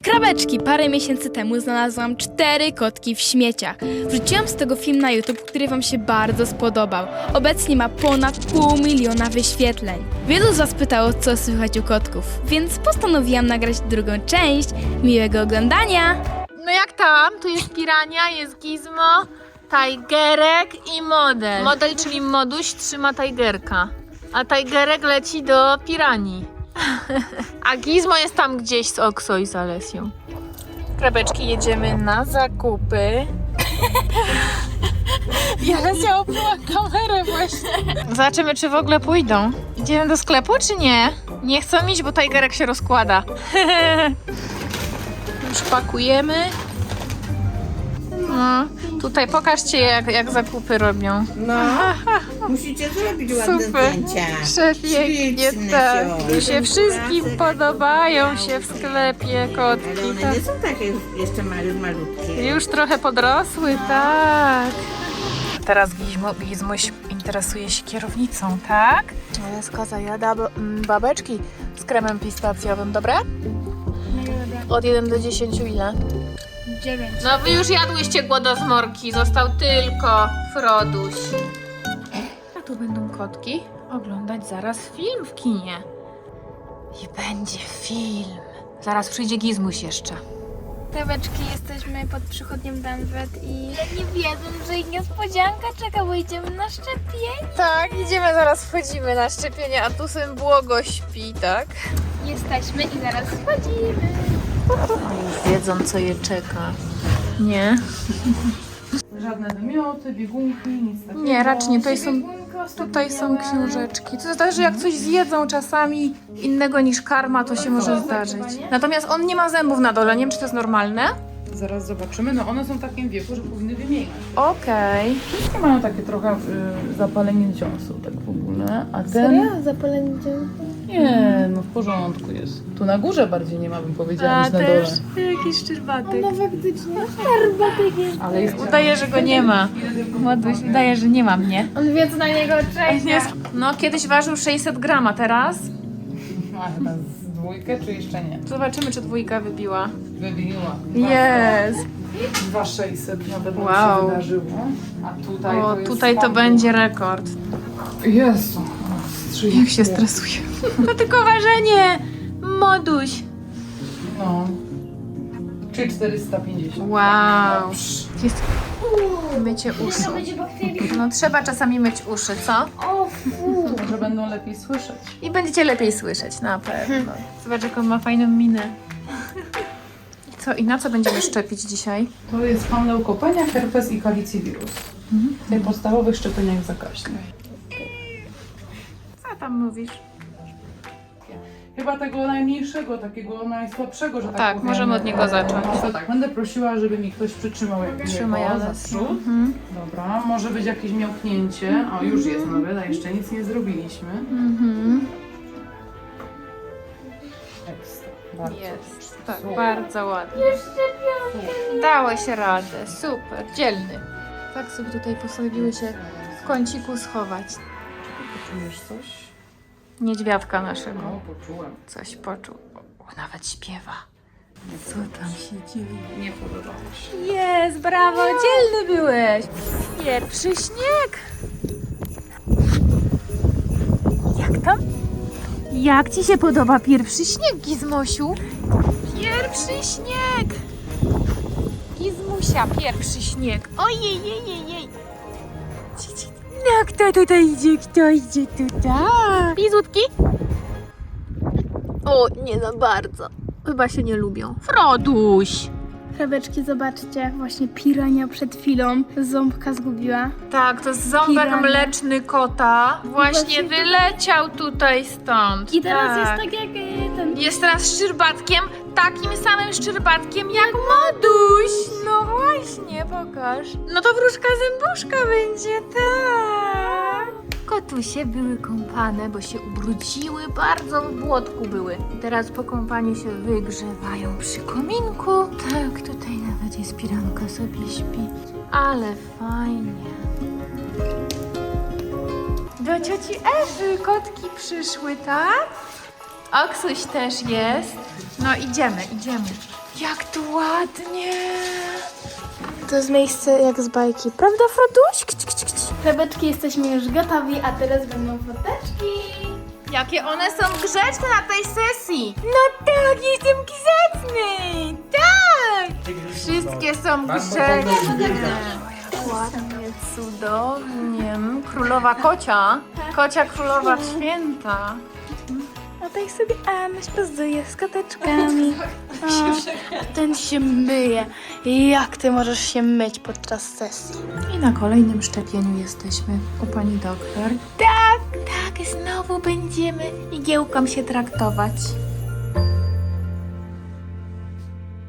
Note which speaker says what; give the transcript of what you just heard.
Speaker 1: Krabeczki! Parę miesięcy temu znalazłam 4 kotki w śmieciach. Wrzuciłam z tego film na YouTube, który wam się bardzo spodobał. Obecnie ma ponad 500 000 wyświetleń. Wielu z was pytało, co słychać u kotków, więc postanowiłam nagrać drugą część. Miłego oglądania!
Speaker 2: No jak tam? Tu jest Pirania, jest Gizmo, Tigerek i Model. Model, czyli Moduś, trzyma Tigerka, a Tigerek leci do Piranii. A Gizmo jest tam gdzieś z Okso i z Alesją. Krabeczki, jedziemy na zakupy. I Alesia opluła kamerę właśnie. Zobaczymy, czy w ogóle pójdą. Idziemy do sklepu, czy nie? Nie chcą iść, bo Tigerek się rozkłada. Już pakujemy. No, tutaj pokażcie, jak zakupy robią.
Speaker 3: No, musicie zrobić ładne
Speaker 2: Super.
Speaker 3: zdjęcia.
Speaker 2: Przepięknie,
Speaker 3: Śliczne
Speaker 2: tak.
Speaker 3: są.
Speaker 2: Tu się wszystkim podobają się w sklepie kotki.
Speaker 3: Ale one
Speaker 2: Tak.
Speaker 3: nie są takie jeszcze malutkie.
Speaker 2: Już trochę podrosły, tak. Teraz Gizmuś interesuje się kierownicą, tak? Aleska zajada babeczki z kremem pistacjowym, dobre? Od 1 do 10 ile?
Speaker 1: 9.
Speaker 2: No wy już jadłyście głodozmorki, został tylko Froduś. A tu będą kotki oglądać zaraz film w kinie. I będzie film. Zaraz przyjdzie Gizmuś jeszcze.
Speaker 1: Krabeczki, jesteśmy pod przychodnią Danwet i nie wiedzą, że ich niespodzianka czeka, bo idziemy na szczepienie.
Speaker 2: Tak, idziemy, zaraz wchodzimy na szczepienie, a tu syn błogo śpi, tak?
Speaker 1: Jesteśmy i zaraz wchodzimy.
Speaker 2: Już wiedzą, co je czeka. Nie?
Speaker 4: Żadne wymioty, biegunki, nic takiego.
Speaker 2: Nie, raczej nie. Tutaj są książeczki. To zależy, jak coś zjedzą czasami innego niż karma, to się może zdarzyć. Natomiast on nie ma zębów na dole, nie wiem, czy to jest normalne.
Speaker 4: Zaraz zobaczymy. No one są w takim wieku, że powinny wymieniać.
Speaker 2: Okej.
Speaker 4: Wszystkie mają takie trochę zapalenie dziąsu, tak w ogóle. A ten...
Speaker 1: Zapalenie dzięki.
Speaker 4: Nie, no w porządku jest. Tu na górze bardziej nie ma, bym powiedziała, niż na dole.
Speaker 2: jakiś szczerbatek.
Speaker 1: No faktycznie, herbatek jest.
Speaker 4: Ale jest...
Speaker 2: Udaje, że go nie ma. Ładuś udaje, że nie ma mnie.
Speaker 1: On wie, co na niego czeka.
Speaker 2: No, kiedyś ważył 600 gram, a teraz?
Speaker 4: Ma chyba z dwójkę, czy jeszcze nie?
Speaker 2: Zobaczymy, czy dwójka wybiła.
Speaker 4: Wybiła.
Speaker 2: Jest.
Speaker 4: 2600 na pewno
Speaker 2: Wow.
Speaker 4: się wydarzyło. A tutaj
Speaker 2: O,
Speaker 4: to jest...
Speaker 2: tutaj to będzie rekord.
Speaker 4: Jezu.
Speaker 2: Jak się stresuje. To tylko ważenie! Moduś!
Speaker 4: No. Czy 450.
Speaker 2: Wow. Jest... Mycie uszu. No trzeba czasami myć uszy, co?
Speaker 4: Może będą lepiej słyszeć.
Speaker 2: I będziecie lepiej słyszeć, na pewno. Zobacz, jaką ma fajną minę. Co, i na co będziemy szczepić dzisiaj?
Speaker 4: To jest pan leukopenia, herpes i kalicywirus. W tych podstawowych szczepieniach zakaźnych.
Speaker 2: Co tam mówisz?
Speaker 4: Chyba tego najmniejszego, takiego najsłabszego, że tak
Speaker 2: Tak,
Speaker 4: powiem.
Speaker 2: możemy od niego zacząć.
Speaker 4: No to tak, będę prosiła, żeby mi ktoś przytrzymał
Speaker 2: Trzymaj,
Speaker 4: jego za
Speaker 2: Ales.
Speaker 4: przód. Dobra, może być jakieś miałknięcie. O, już jest nawet, a jeszcze nic nie zrobiliśmy. Ekstra. Bardzo.
Speaker 2: Jest, tak,
Speaker 4: Super.
Speaker 2: bardzo ładnie. Dałeś radę, super, dzielny. Tak sobie tutaj postanowiły się w kąciku schować.
Speaker 4: Czujesz coś?
Speaker 2: Niedźwiadka naszego.
Speaker 4: No, poczułem.
Speaker 2: Coś poczuł. O, nawet śpiewa. Co tam się dzieje?
Speaker 4: Nie podobało się.
Speaker 2: Jest, brawo, dzielny byłeś. Pierwszy śnieg. Jak tam? Jak ci się podoba pierwszy śnieg, Gizmosiu? Pierwszy śnieg. Gizmusia, pierwszy śnieg. Ojej, jej, jej, jej. No, kto tutaj idzie? Kto idzie tutaj? Pizutki? O, nie za bardzo. Chyba się nie lubią. Froduś!
Speaker 1: Krabeczki, zobaczcie, właśnie pirania przed chwilą ząbka zgubiła.
Speaker 2: Tak, to jest ząbek
Speaker 1: Pirania.
Speaker 2: mleczny kota. Właśnie wyleciał tutaj stąd.
Speaker 1: I teraz
Speaker 2: tak.
Speaker 1: jest tak jak ten...
Speaker 2: Jest teraz szczerbatkiem, takim samym szczerbatkiem jak Moduś. No właśnie, pokaż. No to wróżka zębuszka będzie, tak. Kotusie były kąpane, bo się ubrudziły, bardzo w błotku były. I teraz po kąpaniu się wygrzewają przy kominku. Tak, tutaj nawet jest piranka, sobie śpi. Ale fajnie. Do cioci Ewy kotki przyszły, tak? Oksuś też jest. No idziemy. Jak tu ładnie.
Speaker 1: To jest miejsce jak z bajki, prawda, Froduś? Chlebeczki, jesteśmy już gotowi, a teraz będą foteczki.
Speaker 2: Jakie one są grzeczne na tej sesji. No tak, jestem grzeczny. Tak. Wszystkie są grzeczne. Jak ładnie, cudownie. Królowa kocia. Kocia królowa święta.
Speaker 1: A tak sobie Anuś pozuje z koteczkami. Ten się myje. Jak ty możesz się myć podczas sesji?
Speaker 2: I na kolejnym szczepieniu jesteśmy u pani doktor. Tak, znowu będziemy igiełką się traktować.